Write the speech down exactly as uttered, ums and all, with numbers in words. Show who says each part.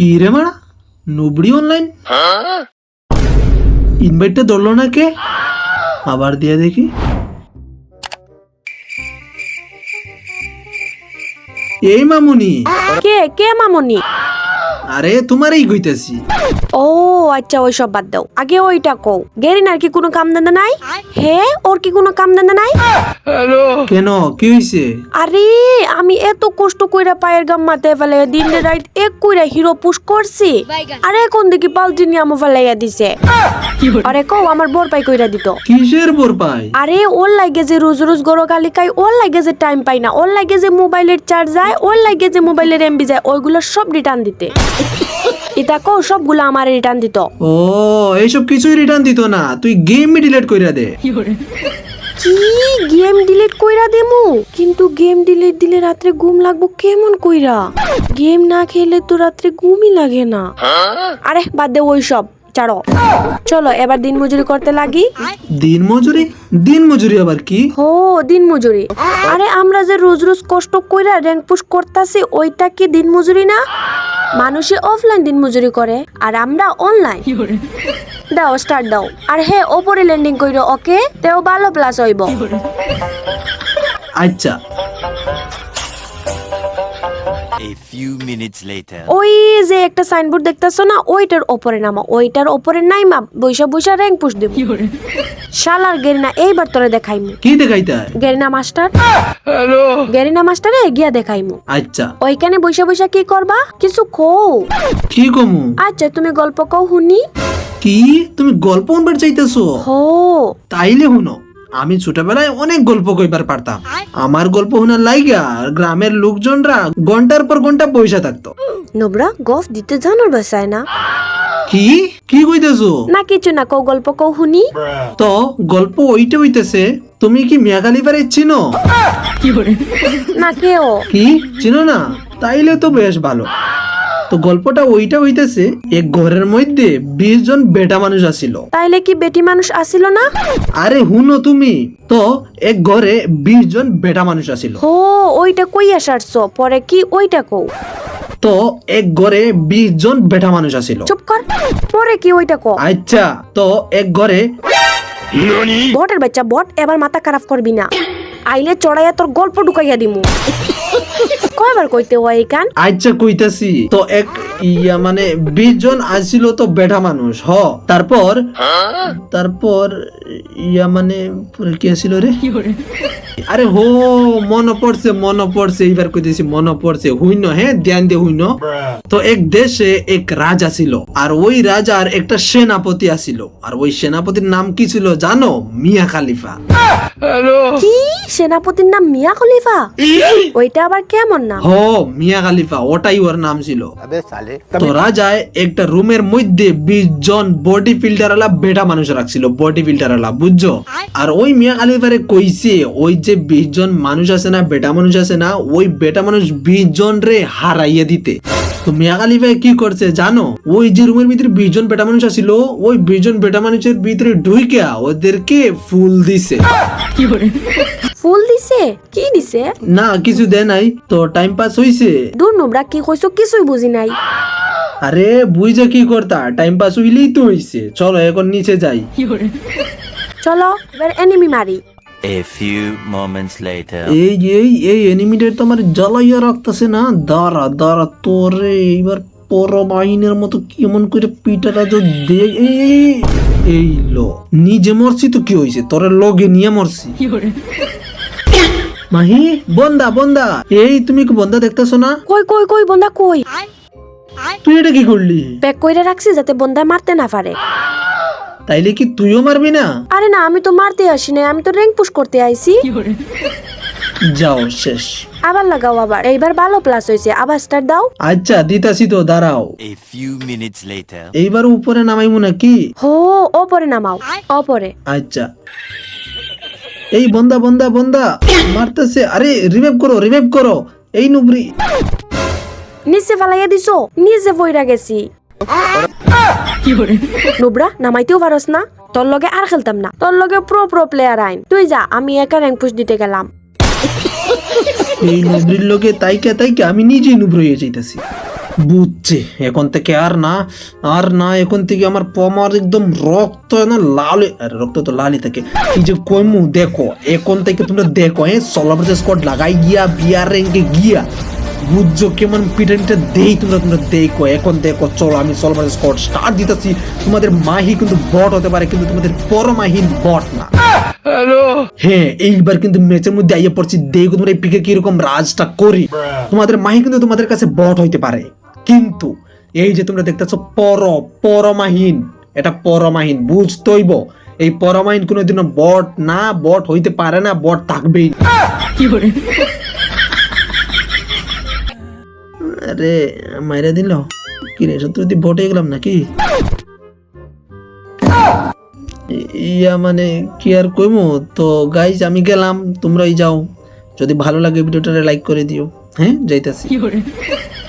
Speaker 1: কি রে মারা নুবড়ি অনলাইন ইনভাইটটা ধরলো না কে? আবার দিয়া দেখি। এই মামুনি।
Speaker 2: কে কে মামুনি?
Speaker 1: আরে তোমারই কইতাছি।
Speaker 2: ও আচ্ছা, ওই সব বাদ দাও, আগে ওইটা কও, গেরিনার কি কোনো কাম ধান্দা নাই? হে, ওর কি কোনো কাম ধান্দা নাই?
Speaker 1: কেন, কি হইছে?
Speaker 2: আরে আমি এত কষ্ট কইরা পায়ের গাম মাথায় ফেলে দিন রাত এক কইরা হিরো পুশ করছি, আরে কোন দিকে পাল্টি নিয়ে আমো ফেলাইয়া দিছে। আরে কও আমার বর পাই কইরা দিত।
Speaker 1: কিসের বর পাই?
Speaker 2: আরে ওর লাগে যে রোজ রোজ গরো গালি খাই, ওর লাগে যে টাইম পাই না, ওর লাগে যে মোবাইলের চার্জ যায়, ওর লাগে যে মোবাইলের এমবি যায়, ওইগুলো সব রিটার্ন দিতে। এটা কও সবগুলো আমার রিটার্ন দিত।
Speaker 1: ও এইসব কিছুই রিটার্ন দিত না, তুই গেম ডিলিট কইরা দে।
Speaker 2: কি গেম ডিলিট কইরা দেমু? কিন্তু গেম ডিলিট দিলে রাত্রে ঘুম লাগবো কেমন কইরা? গেম না খেলে তো রাত্রে ঘুমই লাগে না। আরে বাদ দে ওই সব, ছাড়ো, চলো এবার দিন মজুরি করতে লাগি।
Speaker 1: দিন মজুরি? দিন মজুরি আবার কি?
Speaker 2: হো, দিন মজুরি। আরে আমরা যে রোজ রোজ কষ্ট কইরা র‍্যাঙ্ক পুশ করতাছি, ওইটা কি দিন মজুরি না? মানুষে অফলাইন দিন মজুরি করে আর আমরা অনলাইন। দাও স্টার্ট দাও। আর হে, ওপরে ল্যান্ডিং কইরো, ওকে? তেও ভালো প্লাস হইব।
Speaker 1: আচ্ছা।
Speaker 3: A few minutes later.
Speaker 2: ওই যে একটা সাইনবোর্ড দেখতাছো না, ওইটার উপরে নামা, ওইটার উপরে নাইমা বইসা বইসা র‍্যাঙ্ক পুশ দেব। শালার গেরিনা, এইবার তোরে দেখাইমু।
Speaker 1: কি দেখাইতা?
Speaker 2: Garena master.
Speaker 1: হ্যালো।
Speaker 2: গেরিনা মাস্টারে গিয়া দেখাইমু।
Speaker 1: আচ্ছা।
Speaker 2: ওইখানে বইসা বইসা কি করবা? কিছু কও।
Speaker 1: কি কমু?
Speaker 2: আচ্ছা তুমি গল্প কও শুনি।
Speaker 1: কি তুমি গল্প শুনবার চাইতেছো?
Speaker 2: হো,
Speaker 1: তাইলে শুনো, আমি ছোটবেলায় অনেক গল্প কইবার পারতাম। আমার গল্প শোনার লাইগা গ্রামের লোকজনরা ঘন্টার পর ঘন্টা পয়সা থাকতো।
Speaker 2: নোবরা গফ দিতে জানোর বাসায় না?
Speaker 1: কি কি কইতেছো?
Speaker 2: না কিছু না, কও গল্প কও শুনি।
Speaker 1: তো গল্প ওইটা হইতেছে, তুমি কি মিয়া খালিফারে চিনো?
Speaker 2: না কেও।
Speaker 1: কি চিনো না? তাইলে তো বেশ ভালো। তো গল্পটা ওইটা হইতেছে, এক ঘরের মধ্যে বিশ জন বেটা মানুষ আসিল।
Speaker 2: তাইলে কি বেটি মানুষ আসিল না?
Speaker 1: আরে হুনো তুমি, তো এক ঘরে বিশ জন বেটা মানুষ আসিল।
Speaker 2: হো, ওইটা কইয়া সারছো, পরে কি ওইটা কও।
Speaker 1: তো এক ঘরে বিশ জন বেটা মানুষ আসিল।
Speaker 2: চুপ কর, পরে কি ওইটা কও।
Speaker 1: আচ্ছা, তো এক ঘরে
Speaker 2: বটের বাচ্চা বট, এবার মাথা খারাপ করবি না, আইলে চড়াইয়া তোর গল্প ঢুকাইয়া দিমু। কয়বার কইতে হয় এই কান?
Speaker 1: আচ্ছা কইতাছি। তো এক ইয়া মানে বিশ জন আসিল তো বেটা মানুষ, হ। তারপর তারপর ইয়া মানে পরে কি আসিল রে? আরে হো, মনে পড়ছে মনে পড়ছে এইবার কইতেছি, মনে পড়ছে। হইন, হ্যাঁ ধ্যান দিয়ে হইন। তো এক দেশে এক রাজা ছিল, আর ওই রাজার একটা সেনাপতি আসিল, আর ওই সেনাপতির নাম কি ছিল জানো? মিয়া খালিফা।
Speaker 2: কি সেনাপতির নাম মিয়া খলিফা? ওইটা আবার কেমন নাম?
Speaker 1: হো, মিয়া খালিফা, ওটাই ওর নাম ছিল। তো রাজায় একটা রুমের মধ্যে বিশ জন বডি ফিল্টার আলা বেটা মানুষ রাখছিল, বডি ফিল্টার আলা, বুঝছো? আর ওই মিয়া খালিফারে কইছে, ওই যে বিশ জন মানুষ আছে না, বেটা মানুষ আছে না, ওই বেটা মানুষ বিশ জন রে হারাইয়া দিতে। তো মিয়া খালিফা কি করছে জানো? ওই যে রুমের ভিতরে বিশ জন বেটা মানুষ আছিল, ওই বিশ জন বেটা মানুষের ভিতরে ঢুইকা ওদেরকে ফুল দিছে।
Speaker 2: ফুল দিছে? কি দিছে?
Speaker 1: না কিছু দেয় নাই, তো টাইম পাস হইছে।
Speaker 2: দূর নোবরা, কি কইছো কিছুই বুঝি নাই।
Speaker 1: আরে বুঝা কি করতা, টাইম পাস হইলেই তো হইছে। চলো এখন নিচে যাই।
Speaker 2: চলো এবার এনিমি মারি।
Speaker 3: A few moments later.
Speaker 1: এই এই এই এনিমিটার তো আমার জ্বালাইয়া রাখতেছে না। দাঁড়া দাঁড়া, তোরে এইবার পর বাহিনীর মতো কেমন করে পিটাটা তো দে। এই লো, নিজে মরছি তো কি হয়েছে, তোরে লগে নিয়ে মরছি। মাহি, বন্দা বন্দা, এই তুমি কি বন্দা দেখতেছো না?
Speaker 2: কই কই কই বন্দা কই?
Speaker 1: তুই এটা কি করলি?
Speaker 2: প্যাক কইরা রাখছি যাতে বন্দা মারতে না পারে।
Speaker 1: তাইলে কি তুইও মারবি না?
Speaker 2: আরে না, আমি তো মারতে আসি না, আমি তো র‍্যাঙ্ক পুশ করতে আইছি।
Speaker 1: যাও শেষ।
Speaker 2: আবার লাগাও, আবার এইবার ভালো প্লাস হইছে, আবার স্টার্ট দাও।
Speaker 1: আচ্ছা দিতাছি তো, দাঁড়াও।
Speaker 3: A few minutes later.
Speaker 1: এইবার উপরে নামাইমু নাকি?
Speaker 2: হো, ওপরে নামাও, ওপরে।
Speaker 1: আচ্ছা, এই বন্দা বন্দা বন্দা মারতেছে। আরে রিভাইভ করো, রিভাইভ করো। এই নুবরি
Speaker 2: নিচে ফালাইয়া দিছো, নিচে পইরা গেছি। নুবরা, নামাইতেও পারস না? তোর লগে আর খেলতাম না, তোর লগে প্রো প্রো প্লেয়ার আইন। তুই যা, আমি একা র‍্যাঙ্ক পুশ দিতে গেলাম।
Speaker 1: এই নুবরির লগে তাইকা তাইকা আমি নিজেই নুবর হয়ে যাইতাছি। বুঝছি, এখন থেকে আর না আর না এখন থেকে আমার পমার একদম রক্ত না লাল হয়ে- আরে রক্ত তো লালই থাকে। এই যে কইমু দেখো, এখন থেকে তোমরা দেখো হ্যাঁ সোলো ভার্সেস স্কোয়াড লাগাই গিয়া বিয়ার র্যাঙ্কে গিয়া বুঝছো কেমন পিটানিটা দেই তোমরা তোমরা দেখো। এখন দেখো চলো আমি সোলো ভার্সেস স্কোয়াড স্টার্ট দিতেছি। তোমাদের মাহি কিন্তু বট হতে পারে কিন্তু তোমাদের পরমাহীন বট না। হ্যাঁ এইবার কিন্তু ম্যাচের মধ্যে আইয়ে পড়ছি, দেখো তোমরা এই পিকে কিরকম রাজটা করি। তোমাদের মাহি কিন্তু তোমাদের কাছে বট হইতে পারে কিন্তু এই যে তোমরা দেখতেছো পর পরমাহীন, এটা পরমাহীন বুঝতইব। এই পরমাহীন কোনোদিনও বট না, বট হইতে পারে না, বট থাকবেই না। আরে মাইরা দিল কি রে, সত্যি বট হয়ে গেলাম নাকি? ইয়া মানে কি আর কইমু। তো গাইজ আমি গেলাম, তোমরাই যাও। যদি ভালো লাগে ভিডিওটা লাইক করে দিও। হ্যাঁ যাইতাছি।